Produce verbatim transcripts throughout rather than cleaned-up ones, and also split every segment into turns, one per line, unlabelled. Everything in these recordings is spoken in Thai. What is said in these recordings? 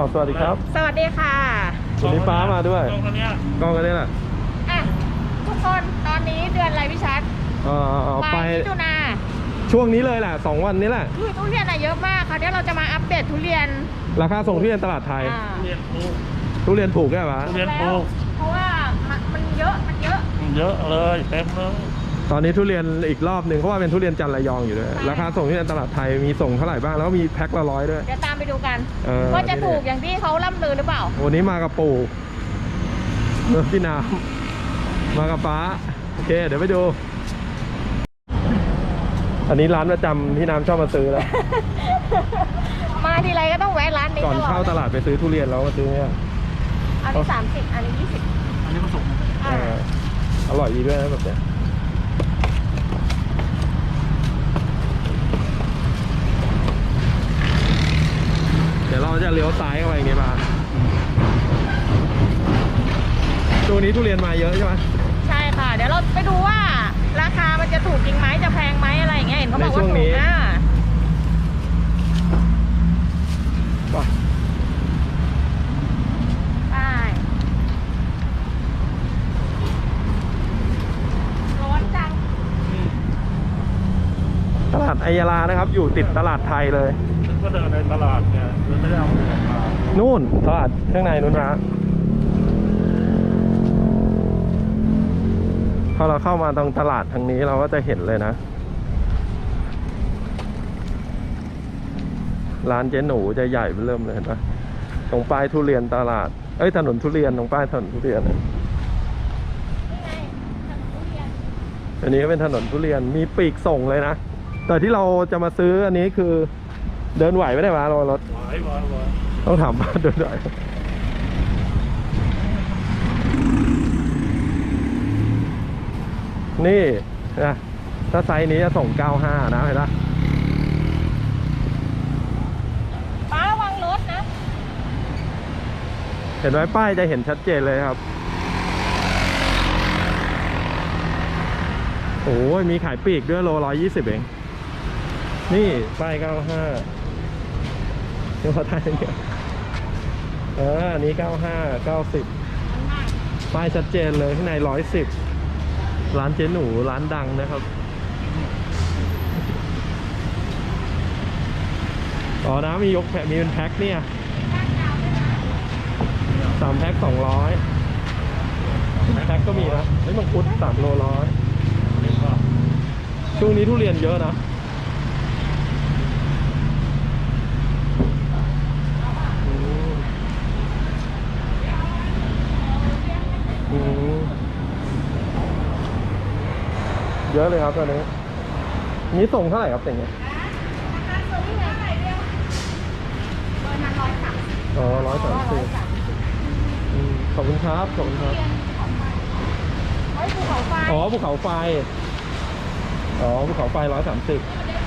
สวัสดีครับ
สวัสดีค่ะ
วันนี้ป้ามาด้วยกล้องคันนี้กล้องคันนี้แหละ
อ่ะทุกคนตอนนี้เดือนอะไรพี่ชัด
อ๋อไป
มิถุนา
ช่วงนี้เลยแหละสองวันนี้แหละ
คือทุเรียนอะเยอะมากค่ะเดี๋ยวเราจะมาอัปเดตทุเรียน
ราคาส่งทุเรียนตลาดไทยทุเรียนถูกทุเรียนถูกใช่ไหม
ทุเรียนถูกเพราะว่ามันเยอะมันเยอะ
เยอะเลยเต็มเลย
ตอนนี้ทุเรียนอีกรอบหนึ่งเพราะว่าเป็นทุเรียนจันทร์ระยองอยู่ด้วยราคาส่งทุเรียนตลาดไทยมีส่งเท่าไหร่บ้างแล้วก็มีแพ็คละร้อยด้วย
เดี๋ยวตามไปดูกันว่าจะถูกอย่างที่เขาล่ำลือหรือเปล่า
วันนี้มากับปู่พี่น้ำมากับป้าโอเคเดี๋ยวไปดูอันนี้ร้านประจำที่น้ำชอบมาซื้อแล้ว
มาทีไรก็ต้องแวะร้านนี้
ก่อนเข้าตลาดไปซื้อทุเรียนแล้วมาซื้อเนี่ย
อันนี้สามสิบอันนี้ยี่สิบ
อันนี้ผสม
อร่อยดีด้วยนะแบบเนี้ยเดี๋ยวเราจะเลี้ยวซ้ายเข้าไปอย่างงี้มาช่วงนี้ทุเรียนมาเยอะใช่ไหม
ใช่ค่ะเดี๋ยวเราไปดูว่าราคามันจะถูกจริงไหมจะแพงไหมอะไรอย่างเงี้ยเห็นเขาบอกว่าถูกนะไปร้อนจัง
ตลาดอัยยาลานะครับอยู่ติดตลาดไทยเลย
ก็เดินในตลาดเนี่ยไม่ได้เอาเงินมา
นู่นตลาดข้างในนู่นนะพอเราเข้ามาตรงตลาดทางนี้เราก็จะเห็นเลยนะร้านเจ๊หนูจะใหญ่เริ่มเลยเห็นปะตรงป้ายทุเรียนตลาดเอ้ยถนนทุเรียนตรงป้ายถนนทุเรียนอันนี้ก็เป็นถนนทุเรียนมีปีกส่งเลยนะแต่ที่เราจะมาซื้ออันนี้คือเดินไหวไม่ได้มารอรถ
ไหวไหวไหว
ต้องถามว่าเดินไหวนี่นะถ้าไซส์นี้จะส่งเก้าสิบห้านะเห็นปะ
ป้าระวังรถนะ
เห็นไหมป้ายจะเห็นชัดเจนเลยครับโอ้ยมีขายปีกด้วยโลร้อยยี่สิบเองนี่ป้ายเก้าสิบห้าเดี๋ยวขอถ่ายเนี่ยเอออันนี้เก้าสิบห้า เก้าสิบป้ายชัดเจนเลยข้างในร้อยสิบร้านเจ๊หนูร้านดังนะครับอ๋อนะมียกแพ็คมีเป็นแพ็คเนี่ยสามแพ็คสองร้อยแพ็คก็มีนะนี่มังคุดสามโลร้อยช่วงนี้ทุเรียนเยอะนะเยอะเลยครับตอนนี้นี้ส่งเท่าไหร่ครับเป็นไงอ๋อร้อยสามสิบขอบคุณครับขอบคุณครับอ๋อภูเขาไฟอ๋อภูเขาไฟร้อยสามสิบ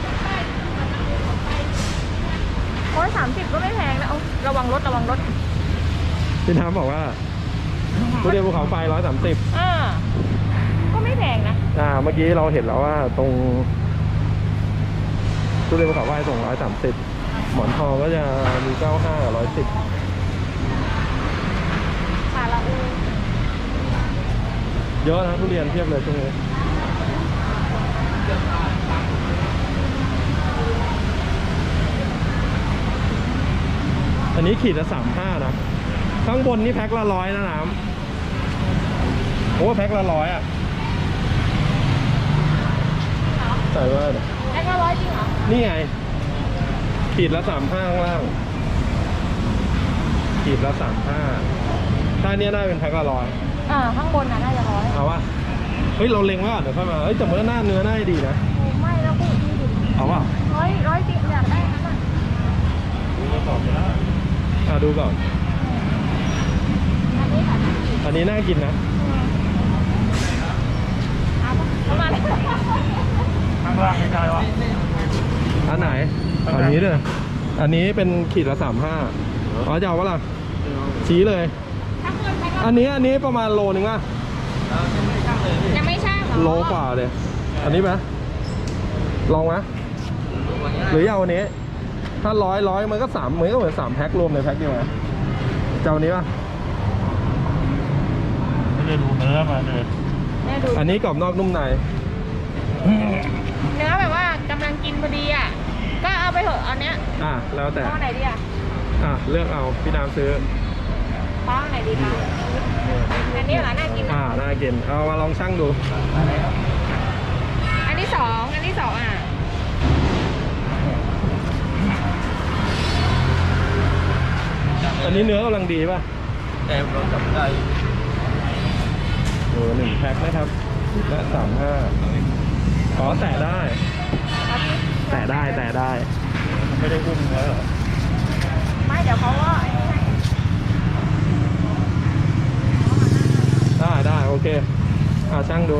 ร้อยสามสิบก็ไม่แพงนะเอาระวังรถระวังรถ
พี่น้ำบอกว่าทุเรียนภูเขาไฟร้อยสามสิบ
อ่าก็ไม่แพงนะ
อ่าเมื่อกี้เราเห็นแล้วว่าตรงทุเรียนภูเขาไฟส่งร้อยสามสิบหมอนทองก็จะมีเก้าห้าร้อยสิบ
ค่ะละอู
เยอะนะทุเรียนเทียบเลยช่วงนี้อันนี้ขีดละสามห้านะข้างบนนี่แพ็คละร้อยนะน้ำโอ้แพ็คละร้อยอ่ะใส่ว่า
แพ็คละร้อยจริงเหรอ
นี่ไงขีดละสามห้าข้างล่างขีดละสามห้าถ้าเนี้ยน่าเป็นแพ็คละร้อย
อ่าข้างบนน่ะน่าจะร้อย
เอาวะเฮ้ยเราเล็งไว้ก่อนเดี๋ยวค่อยมาเฮ้ยแต่เมื่อหน้าเนื้อน่าดีนะ
ไม่แล้วพูดดีดิ
เอาวะ
ร้อยร้อยจริงอยากได้นั่นน่ะ
ดูก่อนนะ
อ่าดูก่อน
อันนี้ค่ะ
อันนี้น่ากินนะ
เอาประมาณ
ข้างล่างไม่ใช่วะ
อันไหนอันนี้เลยอันนี้เป็นขีดละสามห้าอ๋อจะเอาวะล่ะชี้เลยอันนี้อันนี้ประมาณโลนึงอ่ะ
ยังไม่ใช่
โลกว่าเลยอันนี้ไหมลองไหมหรือเอาอันนี้ถ้าร้อยร้อยมันก็สามเหมือนก็เหมือนสามแพ็ครวมในแพ็คเดียวไงเจ้านี้ป่ะ
ไม่ได้ดูเนื้อมาเลย
แม่ดู
อันนี้กรอบนอกนุ่มใน
เนื้อแบบว่ากำลังกินพอดีอ่ะก็เอาไปเถอะเอาเนี้ย
อ่ะแล้วแต่
เอาไหนดีอ่ะ
อ่ะเลือกเอาพี่น้ำซื้อ
ป้าเอาไหนดีคะอันนี้เหรอน่ากิน
อ่า
นะ
น่ากินเอามาลองชั่งดู
อันที่สองอันที่สองอ่ะ
อันนี้เนื้อกำลังดีป่ะ
แต่เราจับได้
โอ้หนึ่งแพ็คนะครับและสามห้าอ๋อแตะได้
เอาสิ
แตะได้แตะได้
ไม่ได้อุ้มเนื้อเหรอ
ไม่เดี๋ยวเขาก็ไอ้นี่ให้
ได้ได้โอเคอ่าช่างดู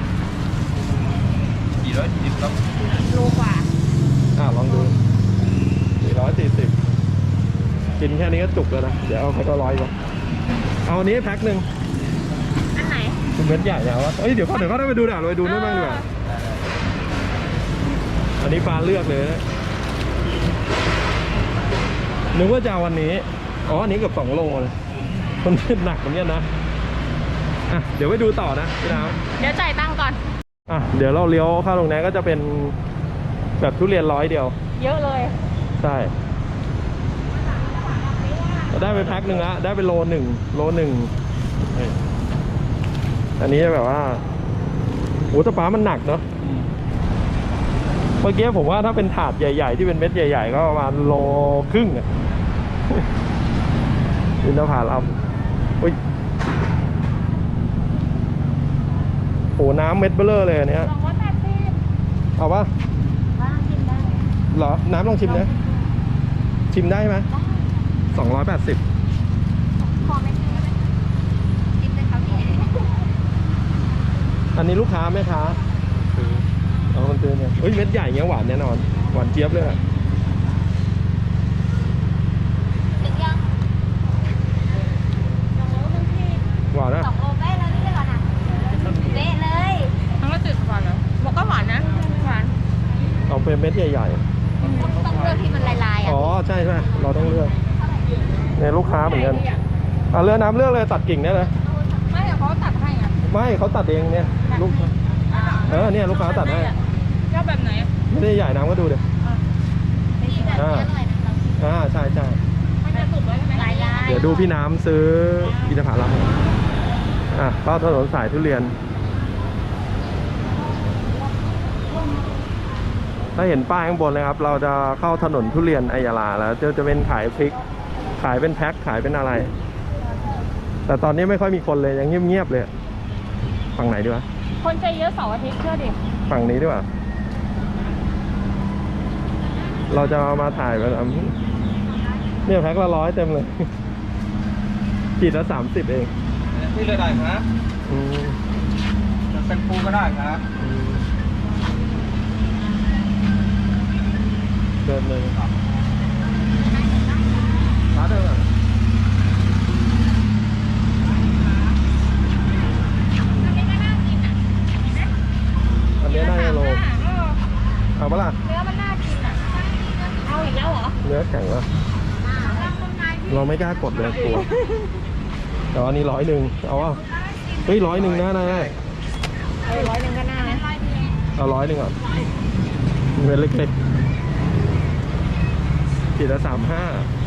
กี่ร้อยสิบครับ
โลกว่า
อ่าลองดูสี่ร้อยสี่สิบกินแค่นี้ก็จุกแล้วนะเดี๋ยวเอาแพ็คละร้อยก่อนเอาอันนี้แพ็คหนึ่ง
อันไหน
คุณเม็ดใหญ่แล้ววะเอ้ยเดี๋ยวเขาเดี๋ยวเขาได้ไปดูด่าไปดูนู่นบ้างดีกว่าอันนี้ฟ้าเลือกเลยนะนึกว่าจะเอาวันนี้อ๋ออันนี้เกือบสองโลเลยมันหนักเหมือนกันนะอ่ะเดี๋ยวไปดูต่อนะพี่น้ำ
เดี๋ยวจ่ายตังค์ก่อน
อ่ะเดี๋ยวเราเลี้ยวเข้าตรงนี้ก็จะเป็นแบบทุเรียนร้อยเดียว
เยอะเลย
ใช่ได้ไปแพ็คหนึ่งละได้ไปโลหนึ่งโลหนึ่งเฮ้ยอันนี้แบบว่าโอ้ตะป้ามันหนักเนาะเมื่อกี้ผมว่าถ้าเป็นถาดใหญ่ๆที่เป็นเม็ดใหญ่ๆก็ประมาณโลครึ่งอ่ะอินทผลัมอุ้ยโหน้ำเม็ดเบลเลอร์เลยอันเนี้ย
สองร้อยแปดสิบ
เอาปะ
บ้างกินได้
เหรอ น้ำลองชิมนะชิมได้ไหมสองร้อยแปดสิบ
พอไหมกินได้ไหมกินเลยครับพี่
อันนี้ลูกค้าไหมคะซื้อเอาคนซื้อเนี่ยเฮ้ยเม็ดใหญ่เงี้ยหวานแน่นอนหวานเจี๊ยบเลยอะ
ถึงยังสองโลครึ่งพี่
หวานนะ
สองโลเป๊ะเลยนี่ก่อนนะเป๊ะเลยทั้งละจืดหวานเหรอบอกก็หวานนะหวาน
เอาเป็นเม็ดใหญ่
ต้องเลือกที่มันลายๆ
ๆ
อ่ะ
อ๋อใช่ใช่เราต้องเลือกเนี่ยลูกค้าเหมือนกันอ่ะเลือกน้ำเลือกเลยตัดกิ่งได้เลย
ไม่เดี๋ยวเขาตัดให้อ่ะ
ไม่เขาตัดเองเนี่ยลูกเออเนี่ยลูกค้าตัดให้
ชอบแบบไหน
ไม่ได้ใหญ่น้ำก็ดูเดี๋ยว อ่า อ่าใช่ใช่
มันจะสุกแล้วใช่ไหมลายๆ
เดี๋ยวดูพี่น้ำซื้ออินทผลัมอ่ะเข้าถนนสายทุเรียน ถ้าเห็นป้ายข้างบนเลยครับ เราจะเข้าถนนทุเรียนอัยยาลาแล้วจะจะเป็นขายพริก ขายเป็นแพ็คขายเป็นอะไร แต่ตอนนี้ไม่ค่อยมีคนเลยยังเงียบๆเลย ฝั่งไหนดีวะ
คนใจเยอะเสาร์อาทิตย์เชื่อดิ
ฝั่งนี้ดีกว่า เราจะเอามาถ่ายแบบเนี่ยแพ็คละร้อยเต็มเลยขีดละสามสิบเอง
ที่เลยได้ครับ
อืม
เป็นปูก็ได้ครับ
เดินเลยร้านเดิมอ่ะ
อันนี้ก็น่ากินอ่ะ
อันนี้น่าจะโล
เออ
เอาปะล่ะ
เนื้อมันน่ากินอ่ะ เอาอีกแล้วเหรอ
เนื้อแข็งวะเราไม่กล้ากดเลยกลัวแต่ว่าอันนี้ร้อยหนึ่งเอาอ่ะเฮ้ยร้อยหนึ่งนะนาย
เออร้อยหนึ่งก็น่านะ
เอาร้อยหนึ่งก่อนเม็ดเล็กๆขีดละสามห้า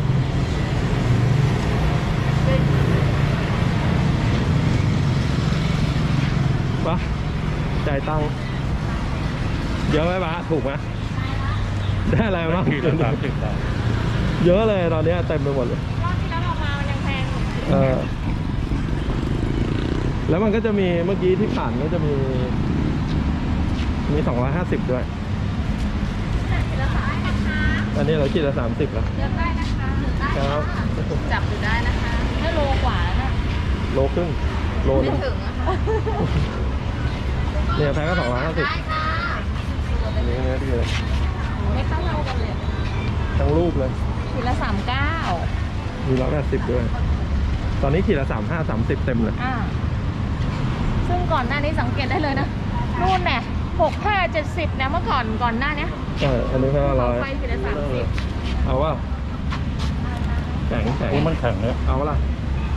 ปะจ่ายตังค์เยอะไหมปะถูกไหมได้อะไรบ้าง
ขีดละสามสิบบาท
เยอะเลยตอนนี้เต็มไปหมดเลย
รอบที่แล้วเรามามันยังแพงอยู่
เออแล้วมันก็จะมีเมื่อกี้ที่ผ่านก็จะมี มีสองร้อยห้าสิบด้วย
ขีดละสามสิบนะคะ
อันนี้เราขีดละสามสิบแล้ว
เลือกได้นะคะได้
ครับ
จับดูได้นะคะถ้าโลกว่าแล้วนะ
โลครึ่งโลนึ
ไม่
ง
ถึงอะค่ะ
เนี่ยแพ็คก็สองร้อยห้าสิบ
ได้ค่ะ
อันนี้เนื้อดีเลย
ไม่ต้องเท่ากันเลย
ทั้งรูปเลย
ขีดละสามเก้า
มีร้อยแปดสิบด้วย ตอนนี้ขีดละสามห้าสามสิบเต็มเลย
อ่าซึ่งก่อนหน้านี้สังเกตได้เลยนะนู่นเนี่ยหกห้าเจ็ดสิบนะเมื่อก่อนก่อนหน้าเนี้ย
เอออันนี้แพ็คละร้อย
ไฟขีดละสามสิบ
เอาว่าแข็งแข็ง
ปูมันแข็งเลย
เอาปะล่ะ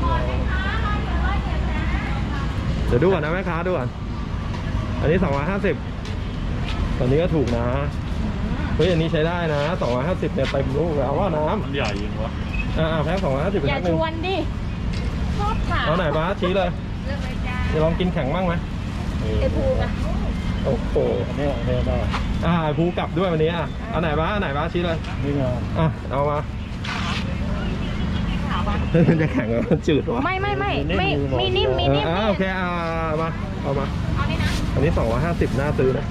เดี๋ยวดูก่อนนะแม่ค้าดูก่อนอันนี้สองร้อยห้าสิบตอนนี้ก็ถูกนะเฮ้ยอันนี้ใช้ได้นะสองร้อยห้าสิบเนี่ยเต็มลูกเลยเอาว่าน้ำ
มันใหญ่ยิงวะ
อ่าแพ็คสองร้อยห้าสิบ
อย่า
แพ็คหนึ่
ช
ง
วนดิชอบถาม
เอาไหนบ้าสชี้เลย
เลือกเลยจ้า
จะลองกินแข็งบ้างไหม
ไอภูมิอะ
โอ้โห
อันนี้อันนี้ได้
อ่าภูกลับด้วยวันนี้อ่ะเอาไหนบ้าสเอาไหนบ้าสชี้เลย
นี่ไง
อ่ะเอามามันจะแข็งเหรอมันจืดวะ
ไม่ไม่ไม่ไม่มีนิ่มมี
เออ
นิ่ม
อ่าโอเคอ่ามาเอามา
เอานี่นะ
อันนี้สองร้อยห้าสิบน่าซื้อนะ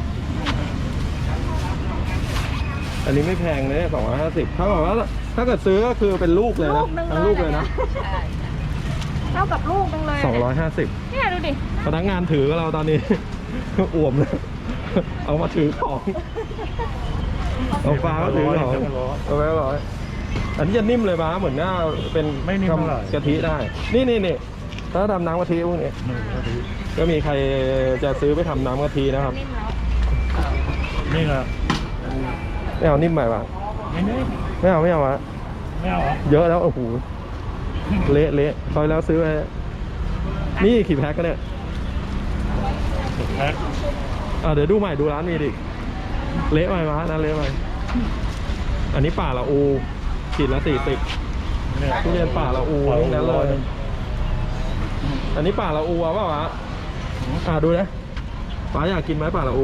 อันนี้ไม่แพงเลยสองร้อยห้าสิบถ้าบอกว่าถ้าเกิดซื้อก็คือเป็นลูกเลยนะ
ลูกหนึง
ทั้งลูกเลยนะ
ใช่เท่ากับลูกหนึงเลย
สองร้อยห้าสิบ
เนี่ยดูดิ
พนักงานถือกับเราตอนนี้ อ่วมเลยเอามาถือของเอาฟ้าก็ถือของเอาไว้ร้อยอันนี้จะนิ่มเลยบ้าเหมือนหน้าเป็น
ไม่นิ่มเท่าไหร่
กะทิได้ นี่นี่นี่ถ้าทำน้ำกะทิพวกนี้
นี่ก็ดี
ก็มีใครจะซื้อไปทำน้ำกะทินะครับ
นิ่มแล้ว
นี่ไง
ไม่เอานิ่มใหม่ปะ
นี่นี่
ไม่เอาไม่เอาวะ
ไม่เอาเหรอ
เยอะแล้วโอ้โหเละเละคอยแล้วซื้อไปนี่กี่แพ็คกันเนี่ย
แพ็ค
อ่าเดี๋ยวดูใหม่ดูร้านมีดิเละไหมวะนั่นเละไหมอันนี้ป่าละอูขีดละสี่สิบ
เนี่ย
ทุเรียนป่าละอูทั้งนั้นเลยอันนี้ป่าละอูเอาเปล่าวะอ่าดูนะป้าอยากกินไหมป่าละอู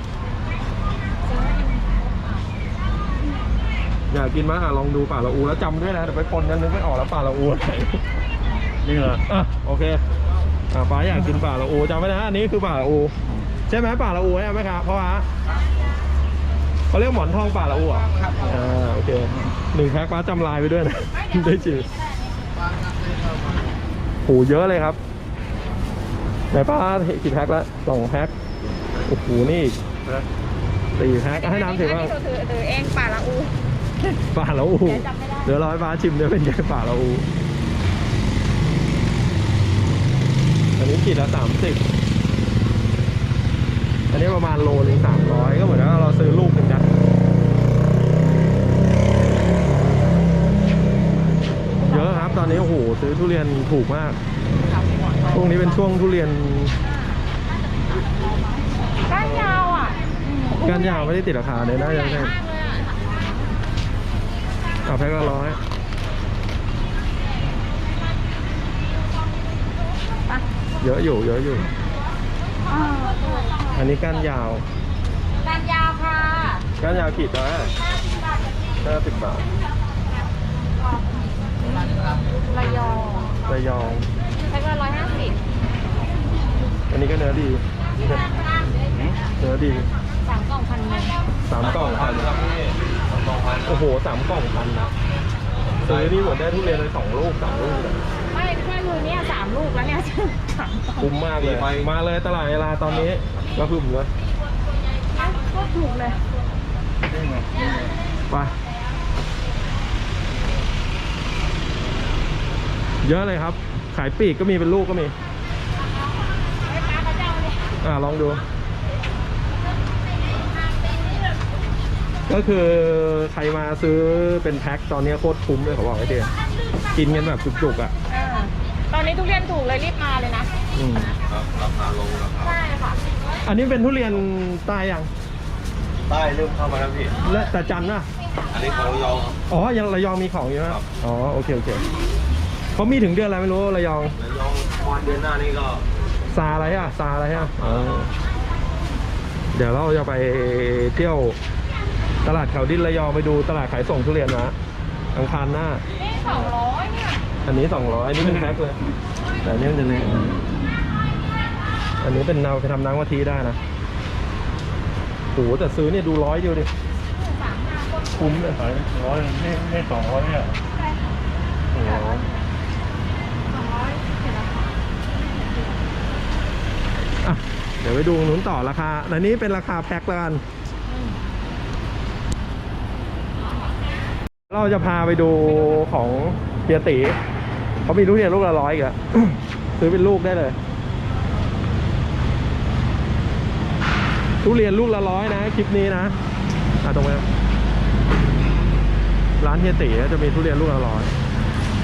อยากกินไหมอ่ะลองดูป่าละอูแล้วจำด้วยนะเดี๋ยวไปปนกันนึกไม่ออกแล้วป่าละอูอะไร
นี่เหรอ
อ่ะโอเคอ่ะป้าอยากกินป่าละอูจำไว้นะอันนี้คือป่าละอูใช่ไหมป่าละอูใช่ไหมครับเพราะว่าเขาเรียกหมอนทองป่าละอูอ่ะอ่าโอเคหนึ่งแพ็คป้าจำลายไปด้วยนะ ได้จืดโหเยอะเลยครับไหนป้ากี่แพ็คแล้วสองแพ็คโอ้โหนี่อีก
แพ็ค
สี่แพ็คให้น้ำถือว่า
อันนี้ถือถือเองป่าละอู
ป่าละอู
เดี๋ยวจำไม่ได้
เดี๋ยวร้อยป้าชิมเดี๋ยวเป็นไงป่าละอูอันนี้ขีดละสามสิบอันนี้ประมาณโลนึงสามร้อยก็เหมือนว่าเราซื้อลูกหนึ่งนะเยอะครับตอนนี้โอ้โหซื้อทุเรียนถูกมากช่วงนี้เป็นช่วงทุเรียน
ก้านยาวอ่ะ
ก้านยาวไม่ได้ติดราคาเลยนะ
ให
ยั
ญ่
งไง
มากเลยอ่ะ
เอาแพ็คละร้อย
ไป
เยอะอยู่เยอะอยู่
อ่า
อันนี้ก้านยาว
ก้านยาวค่ะ
ก้านยาวขีดละห้าสิบบาท
ระยอง
ระยอง
ใช้เวลาร้อยห้าสิบ
อันนี้ก็เนื้อดีเนื้อดี
สามกล่องพันหนึ่ง
สามกล่องพันโอ้โหสามกล่องพันนะซื้อนี่หมดได้ทุเรียนเลยสองลูกสามลูกเลย
ไม่แค่มือเนี่ยสามลูกแล้วเนี่ย สามกล่อง
คุ้มมากเลยมาเลยตลาดเวลาตอนนี้ก็พึ่มเลย
ก็ถูกเลย
นี่ไง
ไปเยอะเลยครับ ขายปลีกก็มีเป็นลูกก็มี
ไอ้ปลาพระเจ้าเนี่ย
อ่าลองดู ก็คือใครมาซื้อเป็นแพ็คตอนนี้โคตรคุ้มเลยเขาบอกไอ้เจ๊กินกันแบบจุกๆอ่ะ
อ่าตอนนี้ทุเรียนถูกเลยรีบมาเลยนะ
อืม
ราคาลงราคา
ใช่ค่ะ
อันนี้เป็นทุเรียนใต้ยัง
ใต้เริ่มเข้ามาแล้วพี่
และแต่จันทร์นะ
อันนี้ของระยอง
อ๋อยังระยองมีของอยู่นะครับ อ๋อโอเคโอเคเขามีถึงเดือนอะไรไม่รู้ระยอง
ระยองวันเดือนหน้านี่ก็
ซาอะไรอ่ะซาอะไรอ่ะอ๋อเดี๋ยวเราจะไปเที่ยวตลาดเขาดินระยองไปดูตลาดขายส่งทุเรียนนะอังคารหน้า
นี่สองร้อยเนี่ย
อันนี้สองร้อยอันนี้เป็นแพ็คเลยแต่อันนี้มันจะเล็กอันนี้เป็นเราไปทำน้ำกะทิได้นะโหแต่ซื้อเนี่ยดูร้อยเดียวดิ
สามห้าคน
คุ้มเลย
ขายร้อยนี่นี่สองร้อยเนี่ย
โอ้โห
สองร้อยเห็นแล้วค่ะ
อ่ะเดี๋ยวไปดูตรงนู้นต่อราคาอันนี้เป็นราคาแพ็คแล้วกัน เราจะพาไปดูของเฮียตีเขามีทุเรียนลูกละร้อยอีกแล้ว ซื้อเป็นลูกได้เลย ทุเรียนลูกละร้อยนะคลิปนี้นะอ่ะตรงนี้ร้านเฮียตีจะมีทุเรียนลูกละร้อย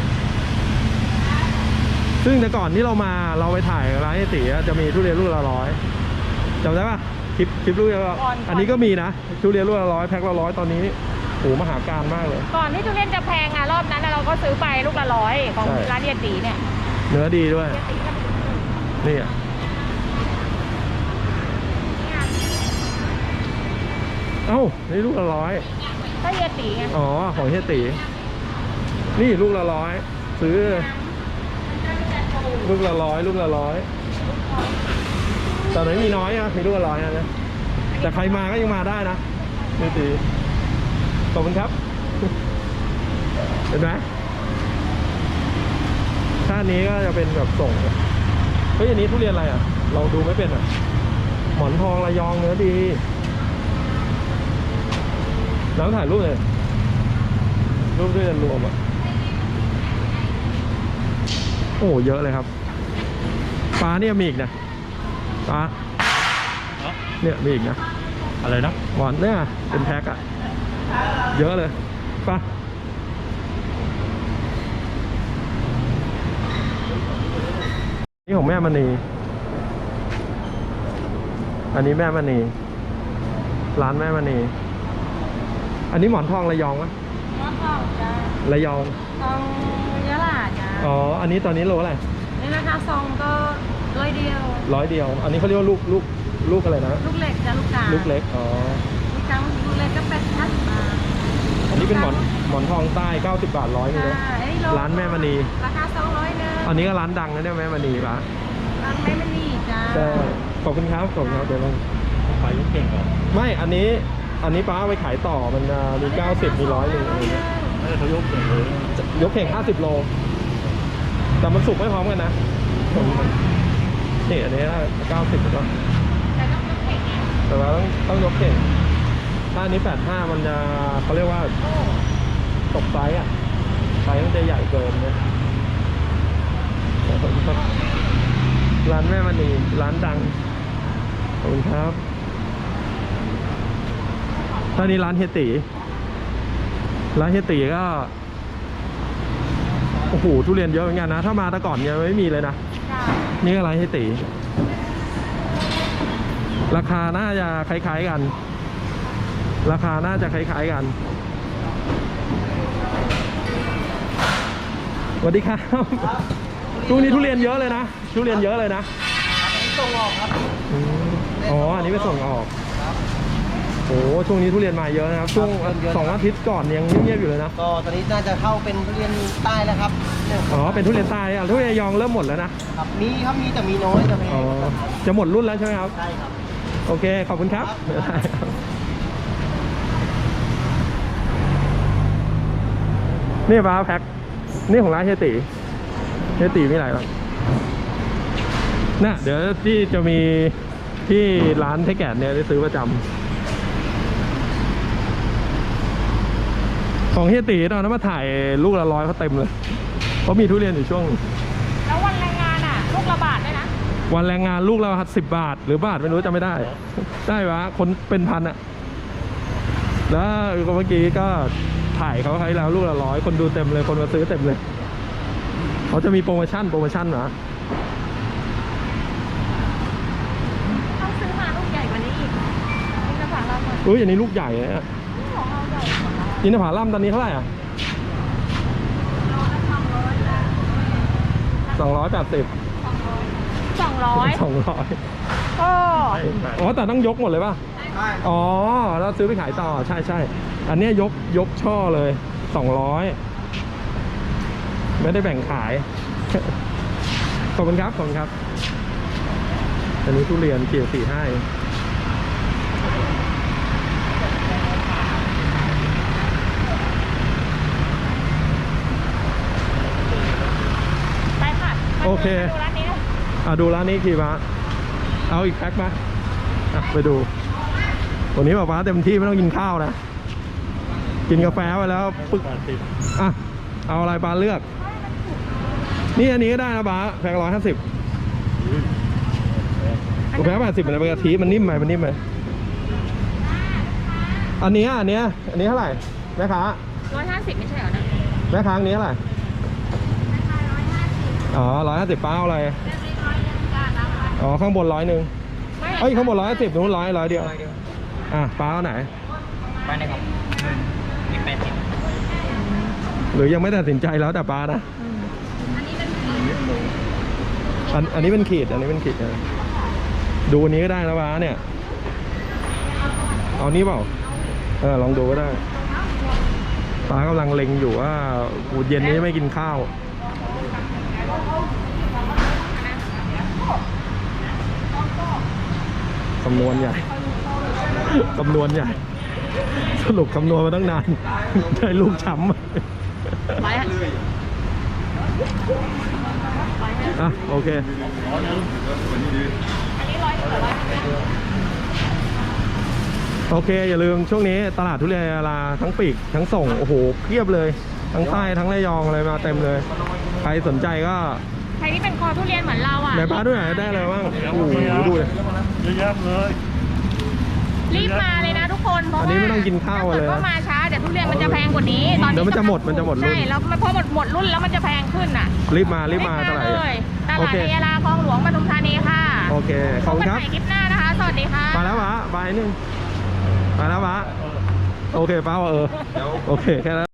ซึ่งแต่ก่อนที่เรามาเราไปถ่ายร้านไอติอะจะมีทุเรียนลูกละร้อยจำได้ปะคลิปคลิปลูกละอันนี้ก็มีนะทุเรียนลูกละร้อยแพ็คละร้อยตอนนี้โอ้มหาการมากเลย
ก่อนที่ทุเรียนจะแพงอ่ะรอบนั้นเราก็ซื้อไปลูกละร้อยของ
ใช่
ร้านเฮียตีเนี่ย
เนื้อดีด้วย
เฮียตีก็
นี่อ่ะเอ้านี่ลูกละร้อย
ถ้าเฮียตีไง
อ๋อของเฮียตีนี่ลูกละร้อยซื้อลูกละร้อยลูกละร้อยแต่ไหนมีน้อยอะมีลูกละร้อยนะแต่ใครมาก็ยังมาได้นะเฮียตีขอบคุณครับเห็นไหมท่านี้ก็จะเป็นแบบส่งเฮ้ยอันนี้ทุเรียนอะไรอ่ะเราดูไม่เป็นอ่ะหมอนทองระยองเนื้อดีน้ำถ่ายรูปเลยรูปด้วยกันรวมอ่ะโอ้เยอะเลยครับปลาเนี่ยมีอีกนะปลาเนี่ยมีอีกนะ
อะไรนะ
หมอนเนี่ยเป็นแพ็คอ่ะเยอะเลยปลานี่ของแม่มณีอันนี้แม่มณีร้านแม่มณีอันนี้หมอนทองระยองวะ
มะพร้าวจ้า
ระยอง
ทองยะลาจ้า
อ๋ออันนี้ตอนนี้โลอะไร
นี่นะคะซองก็ร้อยเดียว
ร้อยเดียว อันนี้เขาเรียกว่าลูกลูกลูกอะไรนะ
ลูกเล็กจ้าลูกกา
ลูกเล็กอ๋อ
ลูกกลางลูกเล็กก็แปดพันบาท
อันนี้เป็นหมอนหมอนทองใต้เก้าสิบบาทร้อยนึงนะ
ค่ะไอ้โล
ร้านแม่มณี
ราคาสองร้อยเนอะ
อันนี้ก็ร้านดังนะเนี่ยแม่มณีปะ
ร้านแม่มณีจ้า
ใช่ขอบคุณครับขอบคุณครับเดี๋ยวลอง
ไปลูกเก่งเหรอ
ไม่อันนี้อันนี้ป้าเอาไปขายต่อมันจะมีเก้าสิบมีร้อยหนึ่งอะไรเงี้ย
เออเขายกเก่งเลย
ยกเข่งห้าสิบโลแต่มันสุกไม่พร้อมกันนะนี่อันนี้เก้าสิบแล้ว
แต่ต้องยกเข่งไง
แต่ว่าต้องต้องยกเข่งถ้าอันนี้แปดห้ามันจะเขาเรียกว่า
โอ้
ตกไซส์อ่ะไซส์มันจะใหญ่เกินเนี่ยร้านแม่มณีร้านดังขอบคุณครับตอนนี้ร้านเฮยติร้านเฮยติก็โอ้โหทุเรียนเยอะเหมือนกันนะถ้ามาแต่ก่อนยังไม่มีเลยนะ
จ้า
นี่ก็ร้านเฮยติราคาน่าจะคล้ายๆกัน ราคาน่าจะคล้ายๆกันสวัสดีครับช่วงนี้ทุเรียนเยอะเลยนะทุเรียนเยอะเลยนะส่งออกครับอ๋ออันนี้ไปส่งออกโอ้ช่วงนี้ทุเรียนมาเยอะนะครับช่วงสองอาทิตย์ก่อนยังเงียบๆอยู่เลยนะ
ก็ตอนนี้น่าจะเข้าเป็นทุเรียนใต้แล้วครับเนี่ย
อ๋อเป็นทุเรียนใต้อ่ะทุเรียนระยองเริ่มหมดแล้วนะครับ
มีครับมีแต่มีน้อยจะแพ
อ๋อง จะหมดรุ่นแล้วใช่ไหมครับ
ใช่ครับ
โอเคขอบคุณครับได้ครับนี่ป้าแพ็คนี่ของร้านเฮยติเฮยติมีอะไรบ้างน่ะเดี๋ยวที่จะมีที่ร้านเทแกะเนี่ยได้ซื้อประจำของเฮยติตอนนั้นมาถ่ายลูกละร้อยเขาเต็มเลยเขามีทุเรียนอยู่ช่วง
แล้ววันแรงงานอ่ะ ลูกละบาทด้วยนะ
วันแรงงานลูกละสิบบาทหรือบาทไม่รู้จำไม่ได้ได้ปะคนเป็นพันอะแล้วเมื่อกี้ก็ถ่ายเขาให้แล้วลูกละร้อยคนดูเต็มเลยคนมาซื้อเต็มเลยเขาจะมีโปรโมชั่นโปรโมชั่นนะ
ต้องซื้อมาลูกใหญ่กว่านี้อีกอินทผลัมอ่ะ
อุ้ยอันนี้ลูกใหญ่เลยอะ
ของเราใหญ่กว่าเรา
อินทผลัมตอนนี้เท่าไหร่อ่ะ
โลละสองร้อยจ้ะ
สองร้อยแปดสิบ
สองร้อย
สองร้อย
โอ้
อ๋อแต่ต้องยกหมดเลยป่ะ
ใช่
อ๋อแล้วซื้อไปขายต่อใช่ใช่อันเนี้ยยกยกช่อเลยสองร้อยไม่ได้แบ่งขาย ขอบคุณครับขอบคุณครับอันนี้ทุเรียนเกี่ยวสี่ห้า
ไปค่ะมาดู
โอเค
มาดูร้านนี้นะ
อ่ะดูร้านนี้กี่บาทเอาอีกแพ็คมาอ่ะไปดูวันนี้ป๊าป๊าเต็มที่ไม่ต้องกินข้าวนะ กินกาแฟไปแล้วปึ๊ก
แปดสิบ
อ่ะเอาอะไรปลาเลือก นี่อันนี้ก็ได้นะป๊าแพ็คร้อยห้าสิบกาแฟแปดสิบมันเป็นกะทิมันนิ่มไหมมันนิ่มไหมอันนี้อันเนี้ยอันนี้เท่าไหร่แม่ค้า
ร้อยห้าสิบไม่ใช่เหรอนะ
แม่ค้าอันนี้เท่าไหร่
ราคาร้อยห้าสิบ
อ๋อร้อยห้าสิบป้าเอาอะไรอ๋อข้างบนร้อยหนึ่งเอ้ยข้างบนร้อยห้าสิบนู้นร้อยร้อยเดียวอ่ะป้าเอาไหน
ไปไหนครับมีแปดสิบ
หรือยังไม่ตัดสินใจแล้วแต่ป้านะอันอันนี้เป็นขีดอันนี้เป็นขีดนะดูอันนี้ก็ได้นะป้าเนี่ยเอานี้เปล่าเออลองดูก็ได้ป้ากำลังเล็งอยู่ว่าอูเย็นนี้ไม่กินข้าวคำนวณใหญ่ คำนวณใหญ่ สรุปคำนวณมาตั้งนาน ได้ลูกช้ำ
ไปอะ
อ่ะโอเค
อันนี้ร้อยหนึ่งร้อยหนึ่ง
โอเค อย่าลืมช่วงนี้ตลาดทุเรียนยาลาทั้งปีกทั้งส่ง โอ้โหเพียบเลย ทั้งใต้ทั้งระยองอะไรมาเต็มเลย ใครสนใจก็
ใครที่เป็นคอทุเรียนเหมือนเราอ่ะ
ไหนป้าด้วยไหนได้อะไรบ้างโอ้โหดูเลย
เยอะแยะเลย
รีบมาเลยนะทุกคนเพราะ
อัน
ว่า
นี้ไม่ต้องกินข้าว
ถ้า
เล
เกิ
ย
ดว่ามาช้าเดี๋ยวทุเรียนมันจะแพงกว่านี้ตอนนี้
เดี๋ยวมันจะหมดมันจะหมดรุ่น
ใช่แล้วพอหมดหมดรุ่นแล้วมันจะแพงขึ้นอ่ะ
รีบมารีบมาตลาด
เลยต
โอ
ลาด
เค
ในยาลาคลองหลวงปทุมธานีค่ะ
โอเคขอบคุณครับ
พกันใหม่คลิปหน้านะคะ สวัสดีค่ะ
มาแล้วป้าบายนึงมาแล้วป้าโอเคป้าว่าเออโอเคแค่นั้น